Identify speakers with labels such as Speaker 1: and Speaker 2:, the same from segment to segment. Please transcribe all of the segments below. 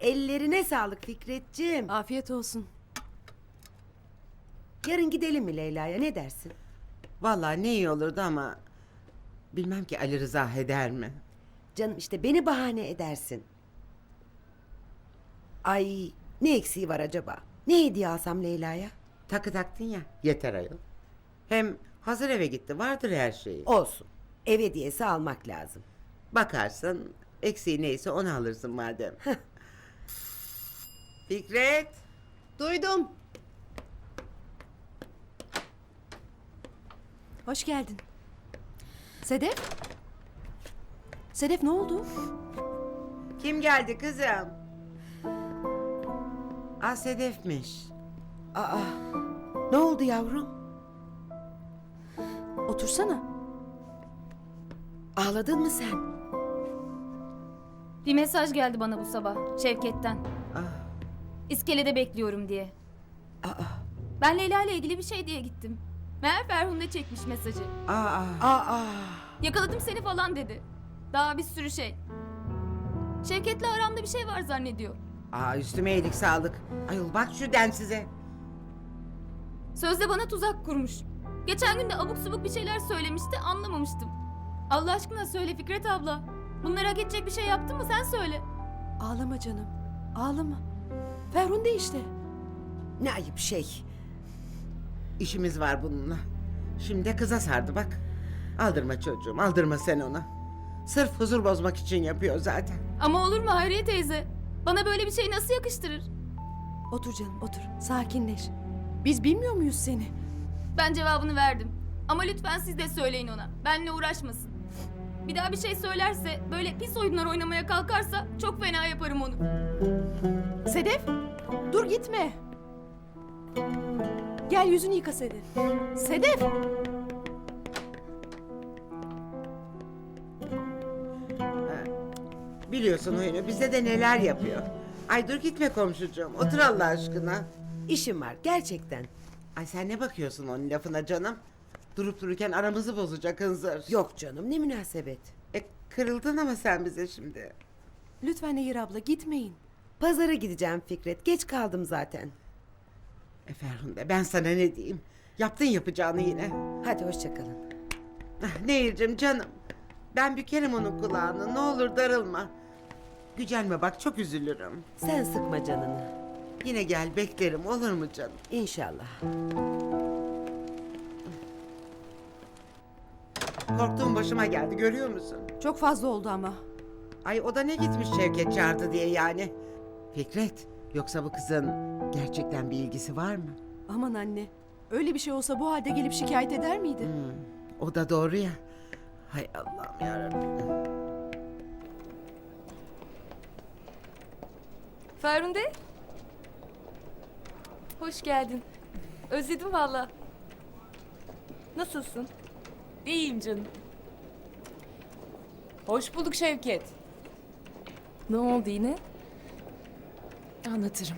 Speaker 1: Ellerine sağlık Fikretciğim.
Speaker 2: Afiyet olsun.
Speaker 1: Yarın gidelim mi Leyla'ya, ne dersin?
Speaker 3: Vallahi ne iyi olurdu ama bilmem ki Ali Rıza eder mi?
Speaker 1: Canım işte beni bahane edersin. Ay, ne eksiği var acaba? Ne hediye alsam Leyla'ya?
Speaker 3: Takı taktın ya, yeter ayol. Hem hazır eve gitti, vardır her şeyi.
Speaker 1: Olsun. Ev hediyesi almak lazım.
Speaker 3: Bakarsın, eksiği neyse onu alırsın madem. Fikret,
Speaker 2: Duydum. Hoş geldin. Sedef? Sedef ne oldu?
Speaker 3: kim geldi kızım? Sedef'miş.
Speaker 1: Aa, ne oldu yavrum?
Speaker 2: Otursana.
Speaker 1: Ağladın mı sen?
Speaker 4: Bir mesaj geldi bana bu sabah Şevket'ten.
Speaker 3: Ah,
Speaker 4: İskelede bekliyorum diye.
Speaker 1: Aa,
Speaker 4: Ben Leyla ile ilgili bir şey diye gittim. Meğer Ferhunde çekmiş mesajı.
Speaker 1: aa.
Speaker 4: Yakaladım seni falan dedi. Daha bir sürü şey. Şevket'le aramda bir şey var zannediyor.
Speaker 3: Üstüme iyilik sağlık. Ayol bak şu densize.
Speaker 4: Sözde bana tuzak kurmuş. Geçen gün de abuk subuk bir şeyler söylemişti, anlamamıştım. Allah aşkına söyle Fikret abla. Bunları hak edecek bir şey yaptın mı sen söyle.
Speaker 2: Ağlama canım. Ağlama. Ferhunde işte.
Speaker 1: Ne ayıp şey.
Speaker 3: İşimiz var bununla. Şimdi de kıza sardı bak. Aldırma çocuğum, aldırma sen ona. Sırf huzur bozmak için yapıyor zaten.
Speaker 4: Ama olur mu Hayriye teyze? Bana böyle bir şey nasıl yakıştırır?
Speaker 2: Otur canım otur. Sakinleş. Biz bilmiyor muyuz seni?
Speaker 4: Ben cevabını verdim. Ama lütfen siz de söyleyin ona. Benimle uğraşmasın. Bir daha bir şey söylerse, böyle pis oyunlar oynamaya kalkarsa çok fena yaparım onu.
Speaker 2: Sedef! Dur gitme. Gel yüzünü yıka Sedef. Sedef!
Speaker 3: Biliyorsun oyunu, bize de neler yapıyor. Ay dur gitme komşucuğum, otur Allah aşkına.
Speaker 1: İşim var gerçekten.
Speaker 3: Ay sen ne bakıyorsun onun lafına canım? Durup dururken aramızı bozacak hınzır.
Speaker 1: Yok canım, ne münasebet.
Speaker 3: Kırıldın ama sen bize şimdi.
Speaker 2: Lütfen Nehir abla gitmeyin.
Speaker 1: Pazara gideceğim Fikret. Geç kaldım zaten.
Speaker 3: Ferhunde ben sana ne diyeyim? Yaptın yapacağını yine.
Speaker 1: Hadi hoşça kalın.
Speaker 3: Nehir'cim canım. Ben bükerim onun kulağını, ne olur darılma. Gücenme bak, çok üzülürüm.
Speaker 1: Sen sıkma canını.
Speaker 3: Yine gel beklerim, olur mu canım?
Speaker 1: İnşallah.
Speaker 3: Korktuğum başıma geldi, görüyor musun?
Speaker 2: Çok fazla oldu ama.
Speaker 3: Ay o da ne gitmiş Şevket çağırdı diye yani. Fikret, yoksa bu kızın gerçekten bir ilgisi var mı?
Speaker 2: Aman anne. Öyle bir şey olsa bu halde gelip şikayet eder miydi?
Speaker 3: O da doğru ya. Hay Allah'ım yarabbim.
Speaker 5: Ferhunde. Hoş geldin. Özledim valla. Nasılsın?
Speaker 6: İyiyim canım. Hoş bulduk Şevket.
Speaker 5: Ne oldu yine?
Speaker 6: Anlatırım.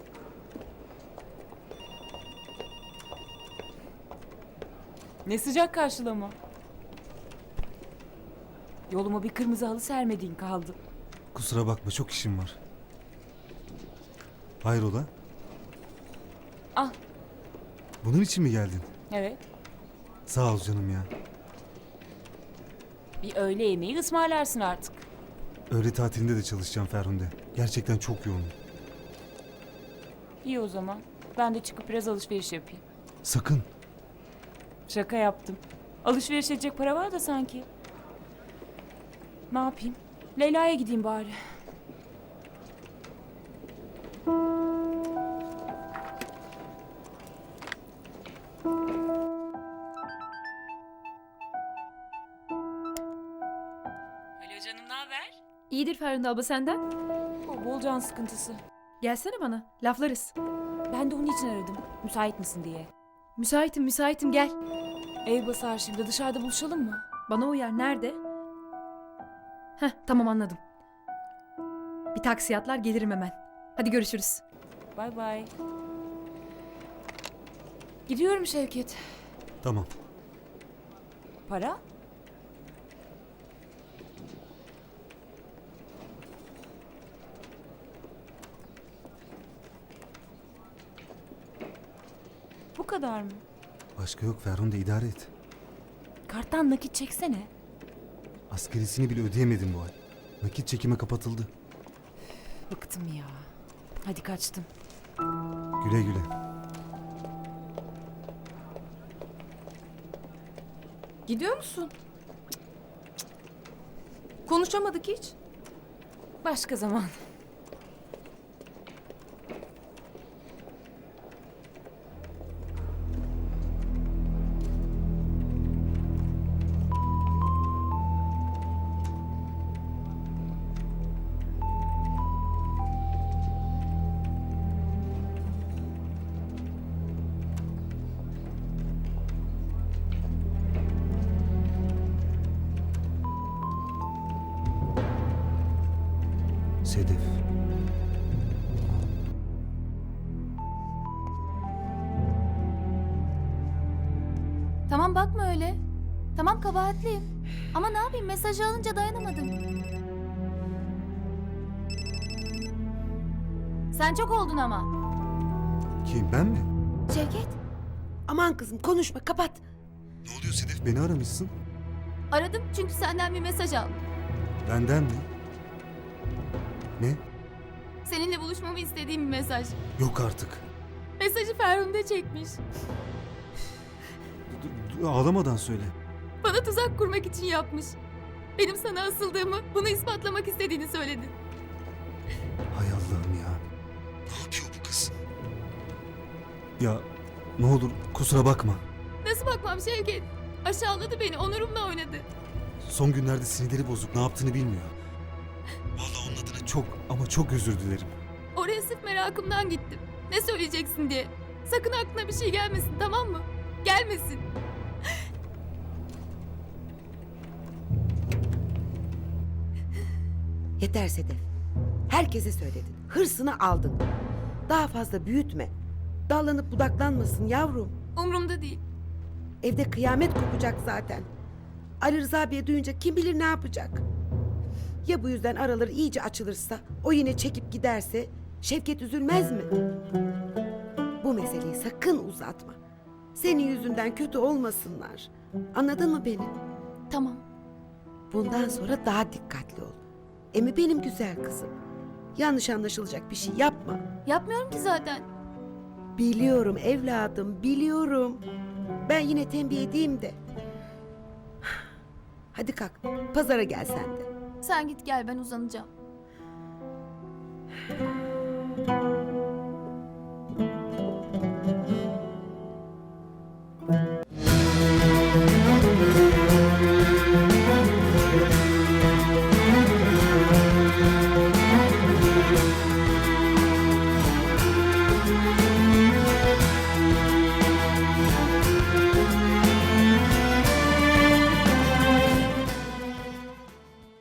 Speaker 6: Ne sıcak karşılama. Yoluma bir kırmızı halı sermediğin kaldı.
Speaker 7: Kusura bakma, çok işim var. Hayrola?
Speaker 6: Al.
Speaker 7: Bunun için mi geldin?
Speaker 6: Evet.
Speaker 7: Sağ ol canım ya.
Speaker 6: Bir öğle yemeği ısmarlarsın artık.
Speaker 7: Öğle tatilinde de çalışacağım Ferhunde. Gerçekten çok yoğunum.
Speaker 6: İyi o zaman. Ben de çıkıp biraz alışveriş yapayım.
Speaker 7: Sakın.
Speaker 6: Şaka yaptım. Alışveriş edecek para var da sanki. Ne yapayım? Leyla'ya gideyim bari. Alo canım, ne haber?
Speaker 5: İyidir Ferhunde abla senden.
Speaker 6: Bol can sıkıntısı.
Speaker 5: Gelsene bana. Laflarız.
Speaker 6: Ben de onun için aradım. Müsait misin diye.
Speaker 5: Müsaitim gel.
Speaker 6: Ev basar şimdi, dışarıda buluşalım mı?
Speaker 5: Bana uyar. Nerede? Heh tamam anladım. Bir taksi atlar gelirim hemen. Hadi görüşürüz.
Speaker 6: Bay bay. Gidiyorum Şevket.
Speaker 7: Tamam.
Speaker 6: Para? kadar mı?
Speaker 7: Başka yok Ferhunde, idare et.
Speaker 6: Karttan nakit çeksene.
Speaker 7: Askerisini bile ödeyemedim bu ay. Nakit çekime kapatıldı.
Speaker 6: Bıktım ya. Hadi kaçtım.
Speaker 7: Güle güle.
Speaker 2: Gidiyor musun? Konuşamadık hiç.
Speaker 6: Başka zaman.
Speaker 7: Sedef.
Speaker 4: Tamam bakma öyle. Tamam kabahatliyim. Ama ne yapayım mesajı alınca dayanamadım. Sen çok oldun ama.
Speaker 7: Kim, ben mi?
Speaker 4: Şevket,
Speaker 1: Aman kızım konuşma, kapat.
Speaker 7: Ne oluyor Sedef? Beni aramışsın.
Speaker 4: aradım çünkü senden bir mesaj aldım.
Speaker 7: Benden mi? Ne?
Speaker 4: Seninle buluşmamı istediğim bir mesaj.
Speaker 7: Yok artık.
Speaker 4: Mesajı Ferhunde çekmiş.
Speaker 7: Ağlamadan söyle.
Speaker 4: Bana tuzak kurmak için yapmış. Benim sana asıldığımı, bunu ispatlamak istediğini söyledi.
Speaker 7: Hay Allah'ım ya. Ne yapıyor bu kız? Ya ne olur kusura bakma.
Speaker 4: Nasıl bakmam Şevket? Aşağıladı beni, onurumla oynadı.
Speaker 7: Son günlerde sinirleri bozuk, ne yaptığını bilmiyor. Vallahi onun adına çok ama çok özür dilerim.
Speaker 4: Oraya sırf merakımdan gittim. Ne söyleyeceksin diye. Sakın aklına bir şey gelmesin, tamam mı? Gelmesin.
Speaker 1: Yeter Sedef. Herkese söyledin. Hırsını aldın. Daha fazla büyütme. Dallanıp budaklanmasın yavrum.
Speaker 4: Umrumda değil.
Speaker 1: Evde kıyamet kopacak zaten. Ali Rıza abiye duyunca kim bilir ne yapacak. Ya bu yüzden araları iyice açılırsa, o yine çekip giderse Şevket üzülmez mi? Bu meseleyi sakın uzatma. Senin yüzünden kötü olmasınlar. Anladın mı beni?
Speaker 4: Tamam.
Speaker 1: Bundan sonra daha dikkatli ol. Emi benim güzel kızım. Yanlış anlaşılacak bir şey yapma.
Speaker 4: Yapmıyorum ki zaten.
Speaker 1: Biliyorum evladım, biliyorum. Ben yine tembih edeyim de. Hadi kalk, pazara gel sen de.
Speaker 4: Sen git gel, ben uzanacağım.